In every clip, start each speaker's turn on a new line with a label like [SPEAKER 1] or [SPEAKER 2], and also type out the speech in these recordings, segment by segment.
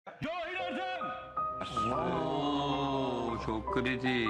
[SPEAKER 1] Cahil Ertem!
[SPEAKER 2] Oo, çok kritik.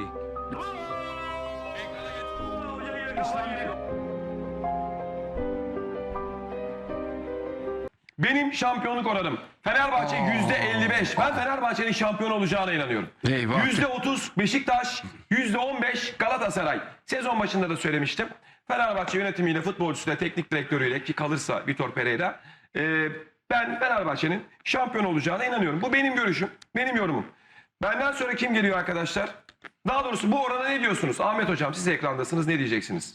[SPEAKER 1] Benim şampiyonluk oranım Fenerbahçe %55. Ben Fenerbahçe'nin şampiyon olacağına inanıyorum.
[SPEAKER 3] Eyvah.
[SPEAKER 1] %30 Beşiktaş, %15 Galatasaray. Sezon başında da söylemiştim. Fenerbahçe yönetimiyle, futbolcusuyla, teknik direktörüyle ki kalırsa Vitor Pereira, ben Fenerbahçe'nin şampiyon olacağına inanıyorum. Bu benim görüşüm, benim yorumum. Benden sonra kim geliyor arkadaşlar? Daha doğrusu bu orana ne diyorsunuz? Ahmet Hocam siz ekrandasınız, ne diyeceksiniz?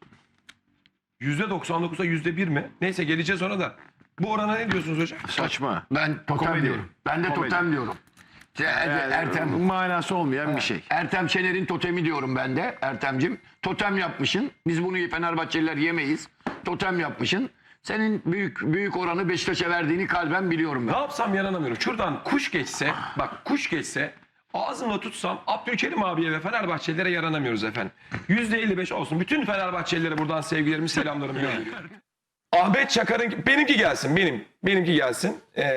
[SPEAKER 1] %99'a %1 mi? Neyse geleceğiz ona da. Bu orana ne diyorsunuz hocam?
[SPEAKER 3] Saçma.
[SPEAKER 4] Ben totem
[SPEAKER 3] Komedi.
[SPEAKER 4] diyorum. Ben de
[SPEAKER 3] Komedi.
[SPEAKER 4] totem diyorum. Ertem.
[SPEAKER 3] Manası olmayan bir şey.
[SPEAKER 4] Ertem Şener'in totemi diyorum ben de. Ertem'cim totem yapmışsın. Biz bunu Fenerbahçeliler yemeyiz. Totem yapmışsın. Senin büyük oranı Beşiktaş'a verdiğini kalben biliyorum ben.
[SPEAKER 1] Ne yapsam yaranamıyorum. Şuradan kuş geçse, bak kuş geçse ağzımla tutsam Abdülkerim abiye ve Fenerbahçelilere yaranamıyoruz efendim. %55 olsun. Bütün Fenerbahçelilere buradan sevgilerimi, selamlarımı gönderiyorum. Ahmet Çakar'ın, benimki gelsin, benimki gelsin.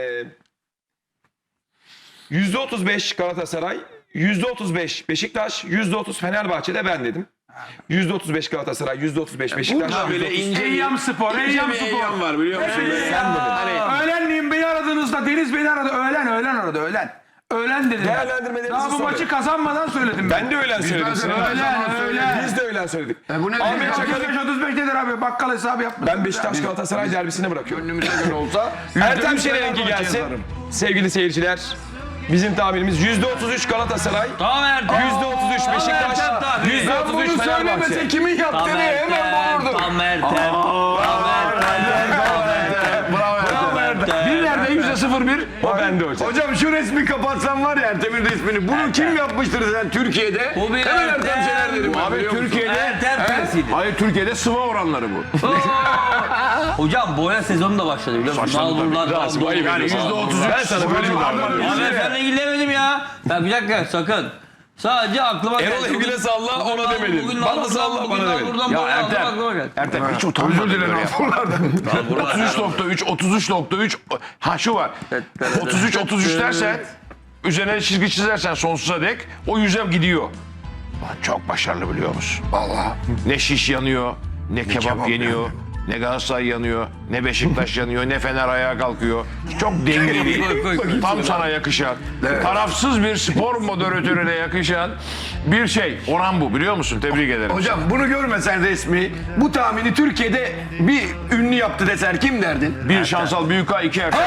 [SPEAKER 1] %35 Galatasaray, %35 Beşiktaş, %30 Fenerbahçe'de ben dedim. %35 Galatasaray, %35 Beşiktaş.
[SPEAKER 3] Burada böyle ince
[SPEAKER 5] Eyyam Spor, Eyyam Spor.
[SPEAKER 3] Eyyam var biliyor musun?
[SPEAKER 5] Öğlenleyin beni aradığınızda, Deniz beni aradı. Öğlen aradı, öğlen. Öğlen dedim.
[SPEAKER 1] Değerlendirmelerinizi
[SPEAKER 5] Daha bu
[SPEAKER 1] sorun.
[SPEAKER 5] maçı kazanmadan söyledim ben.
[SPEAKER 1] Ben de öğlen söyledim. Sinan abi.
[SPEAKER 5] Öğlen.
[SPEAKER 1] Biz de öğlen söyledik.
[SPEAKER 4] Bu ne?
[SPEAKER 1] Ahmet
[SPEAKER 4] Ahmet
[SPEAKER 1] Çakar'ın
[SPEAKER 5] 35 nedir abi? Bakkal hesabı yapma.
[SPEAKER 1] ben Beşiktaş Galatasaray derbisine bırakıyorum.
[SPEAKER 4] Gönlümüze göre olsa.
[SPEAKER 1] Ertem Şener'inki gelsin. Sevgili seyirciler. Bizim tahminimiz %33 Galatasaray,
[SPEAKER 2] Tamam Ertem.
[SPEAKER 1] %33 Beşiktaş, %33 Fenerbahçe.
[SPEAKER 4] kimin yaptığını hemen bulurdum.
[SPEAKER 2] Tam Ertem.
[SPEAKER 3] Bir nerede %01?
[SPEAKER 1] O bende hocam.
[SPEAKER 3] Hocam şu resmi kapatsan var ya Ertem'in resmini. Bunu kim yapmıştır sen Türkiye'de?
[SPEAKER 2] Bu bir
[SPEAKER 3] Hemen
[SPEAKER 2] Ertem.
[SPEAKER 3] Ertem Şener derim. ben,
[SPEAKER 4] Abi
[SPEAKER 3] biliyor musun?
[SPEAKER 4] Türkiye'de
[SPEAKER 2] Ertem tersidir.
[SPEAKER 3] Hayır Türkiye'de sıva oranları bu.
[SPEAKER 2] Hocam boya sezonu da başladı biliyor musun? Nalburlar,
[SPEAKER 1] Rasim, ayıp
[SPEAKER 3] Yani
[SPEAKER 1] ediyorsun.
[SPEAKER 3] %33
[SPEAKER 1] Ben sana böyle bir davranıyorum.
[SPEAKER 2] Abi ben seninle ilgilenemedim ya. Ya bir dakika sakın. Sadece aklıma geldi.
[SPEAKER 1] Erol Evgül'e salla,
[SPEAKER 2] Bugün
[SPEAKER 1] ona demedin.
[SPEAKER 2] bugün
[SPEAKER 1] Bana
[SPEAKER 2] Nalbur'dan,
[SPEAKER 1] salla,
[SPEAKER 2] bugün
[SPEAKER 1] bana demedin.
[SPEAKER 2] Nalbur'dan
[SPEAKER 3] Ya
[SPEAKER 2] boya aldım,
[SPEAKER 3] Ertem.
[SPEAKER 2] aklıma geldi.
[SPEAKER 3] Ertem hiç utanmadın. Özür dilerim. 33.3 ha şu var. 33 dersen üzerine çizgi çizersen sonsuza dek o yüze gidiyor. Lan çok başarılı biliyor musun?
[SPEAKER 4] Vallahi.
[SPEAKER 3] Ne şiş yanıyor, ne kebap yeniyor, ne Galatasaray yanıyor, ne Beşiktaş yanıyor, ne Fener ayağa kalkıyor. Çok dengeli, tam sana yakışan, tarafsız bir spor moderatörüne yakışan bir şey. Oran bu biliyor musun? Tebrik ederim.
[SPEAKER 4] Hocam bunu görmesen resmi bu tahmini Türkiye'de bir ünlü yaptı desen kim derdin?
[SPEAKER 3] Bir Şansal Büyükağ, iki Ertem.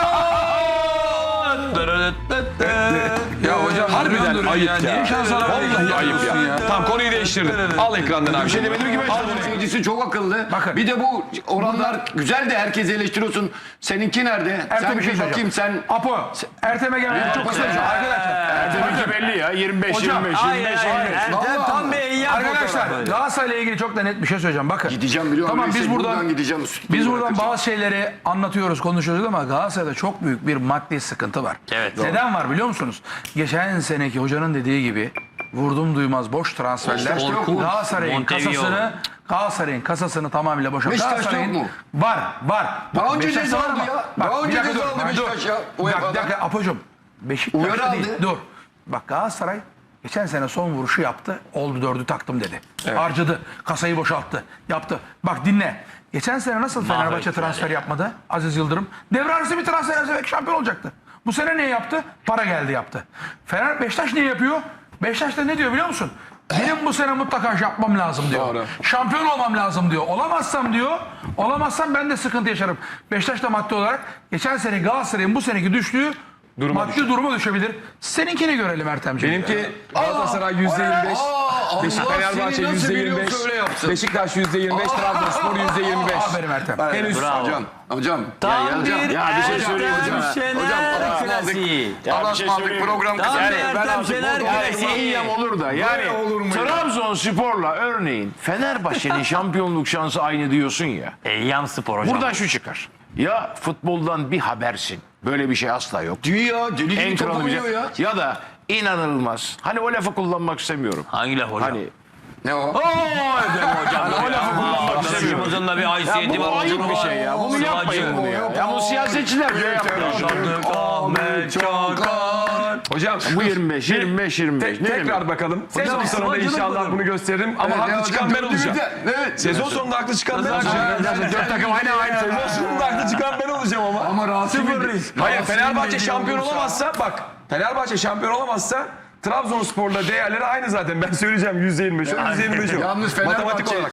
[SPEAKER 5] Ya hocam
[SPEAKER 1] Harbiden ayıp ya.
[SPEAKER 5] Niye şansala
[SPEAKER 1] Vallahi ayıp ya. Tamam konuyu değiştirdim. Al ekrandan abi.
[SPEAKER 4] Bir şey demedim ki ben. Seyircisi çok akıllı.
[SPEAKER 5] Bakın.
[SPEAKER 4] Bir de bu oranlar güzel de herkes eleştiriyorsun. Seninki nerede?
[SPEAKER 5] Ertem
[SPEAKER 4] Sen
[SPEAKER 5] bir şey
[SPEAKER 4] bakayım sen.
[SPEAKER 5] Apo, Ertem'e gelmedi. Çok kısa bir şey. Arkadaşlar.
[SPEAKER 3] Ertem'inki belli ya. 25,
[SPEAKER 5] Hocam,
[SPEAKER 3] 25, 25, 25.
[SPEAKER 2] Ertem tam bir eyyam
[SPEAKER 5] Arkadaşlar
[SPEAKER 2] fotoğrafı.
[SPEAKER 5] Galatasaray'la ilgili çok da net bir şey söyleyeceğim. Bakın.
[SPEAKER 4] Gideceğim biliyorum.
[SPEAKER 5] Tamam biz buradan
[SPEAKER 4] gideceğim.
[SPEAKER 5] Biz buradan bazı şeyleri anlatıyoruz, konuşuyoruz ama Galatasaray'da çok büyük bir maddi sıkıntı var.
[SPEAKER 2] Evet.
[SPEAKER 5] Neden var biliyor musunuz? Geçen seneki hocanın dediği gibi vurdum duymaz boş transferler
[SPEAKER 2] Korkunç.
[SPEAKER 5] Galatasaray'ın kasasını tamamıyla boşalt.
[SPEAKER 4] Beşiktaş'ta yok mu?
[SPEAKER 5] Var.
[SPEAKER 4] Daha önce
[SPEAKER 5] Beşiktaş'ta
[SPEAKER 4] ceza
[SPEAKER 5] var
[SPEAKER 4] aldı
[SPEAKER 5] ama-
[SPEAKER 4] ya.
[SPEAKER 5] Bak,
[SPEAKER 4] Daha
[SPEAKER 5] bir
[SPEAKER 4] önce
[SPEAKER 5] dakika
[SPEAKER 4] ceza
[SPEAKER 5] dur,
[SPEAKER 4] aldı
[SPEAKER 5] dur.
[SPEAKER 4] Beşiktaş ya.
[SPEAKER 5] Bir dakika Apo'cum. Beşiktaş'ta
[SPEAKER 4] Uyarı
[SPEAKER 5] değil.
[SPEAKER 4] aldı.
[SPEAKER 5] Dur. Bak Galatasaray geçen sene son vuruşu yaptı. Oldu 4'ü taktım dedi. Harcadı. Kasayı boşalttı. Yaptı. Bak dinle. Geçen sene nasıl Fenerbahçe transfer yapmadı? Aziz Yıldırım. Devre arası bir transfer yapsa belki şampiyon olacaktı. Bu sene ne yaptı? Para geldi yaptı. Beşiktaş ne yapıyor? Beşiktaş da ne diyor biliyor musun? Benim bu sene mutlaka yapmam lazım diyor.
[SPEAKER 1] Doğru.
[SPEAKER 5] Şampiyon olmam lazım diyor. Olamazsam ben de sıkıntı yaşarım. Beşiktaş da maddi olarak geçen sene Galatasaray'ın bu seneki düştüğü maddi duruma düşebilir. Seninkini görelim Ertemciğim.
[SPEAKER 1] Benimki Galatasaray %25, Fenerbahçe
[SPEAKER 4] seni nasıl biliyorsa
[SPEAKER 1] %25,
[SPEAKER 4] öyle yapsın.
[SPEAKER 1] Beşiktaş %25, Trabzonspor %25.
[SPEAKER 5] Aferin Ertem.
[SPEAKER 1] Henüz
[SPEAKER 4] Hocam.
[SPEAKER 2] Tam bir
[SPEAKER 3] Ya bir şey söyleyeyim
[SPEAKER 2] Ertem
[SPEAKER 3] hocam.
[SPEAKER 2] Şener klasiği.
[SPEAKER 4] Allah'a ısmarladık program
[SPEAKER 2] Tam
[SPEAKER 4] kısa.
[SPEAKER 2] bir Ertem Şener klasiği.
[SPEAKER 3] İyiyem olur da yani Trabzonspor'la örneğin Fenerbahçe'nin şampiyonluk şansı aynı diyorsun ya.
[SPEAKER 2] Eyyam Spor hocam.
[SPEAKER 3] Buradan şu çıkar. Ya futboldan bir habersin. Böyle bir şey asla yok.
[SPEAKER 4] Dünya deli gibi
[SPEAKER 3] En
[SPEAKER 4] topu
[SPEAKER 3] kralı bir
[SPEAKER 4] vuruyor
[SPEAKER 3] şey.
[SPEAKER 4] ya.
[SPEAKER 3] Ya da inanılmaz. Hani o lafı kullanmak istemiyorum.
[SPEAKER 2] Hangi laf hocam?
[SPEAKER 3] Hani
[SPEAKER 4] Ne o?
[SPEAKER 2] Ooo hocam.
[SPEAKER 3] O lafı kullanmak istemiyorum.
[SPEAKER 2] Arkadaşımızın da bir haysiyeti var.
[SPEAKER 3] Bu ayıp bir şey ya. Bunu yapmayın bunu ya. Ya bu siyasetçiler böyle yapıyor.
[SPEAKER 2] Ahmet Çakar.
[SPEAKER 1] Hocam
[SPEAKER 3] Bu 25, 25, 25. Ne
[SPEAKER 1] tekrar
[SPEAKER 3] demek?
[SPEAKER 1] bakalım. Sezon sonunda
[SPEAKER 2] sıvacılık
[SPEAKER 1] inşallah
[SPEAKER 2] olur.
[SPEAKER 1] bunu gösteririm ama haklı çıkan ben olacağım.
[SPEAKER 4] Evet.
[SPEAKER 1] Sezon sonunda haklı çıkan ben olacağım.
[SPEAKER 3] Dört takım aynı.
[SPEAKER 1] Sezon sonunda haklı çıkan ben olacağım ama.
[SPEAKER 4] Ama Rasim'in
[SPEAKER 1] Hayır, Fenerbahçe şampiyon olamazsa bak, Fenerbahçe şampiyon olamazsa Trabzonspor'la değerleri aynı zaten. Ben söyleyeceğim %25. %25 o.
[SPEAKER 4] Yalnız
[SPEAKER 1] Matematik
[SPEAKER 4] Fenerbahçe
[SPEAKER 1] olarak.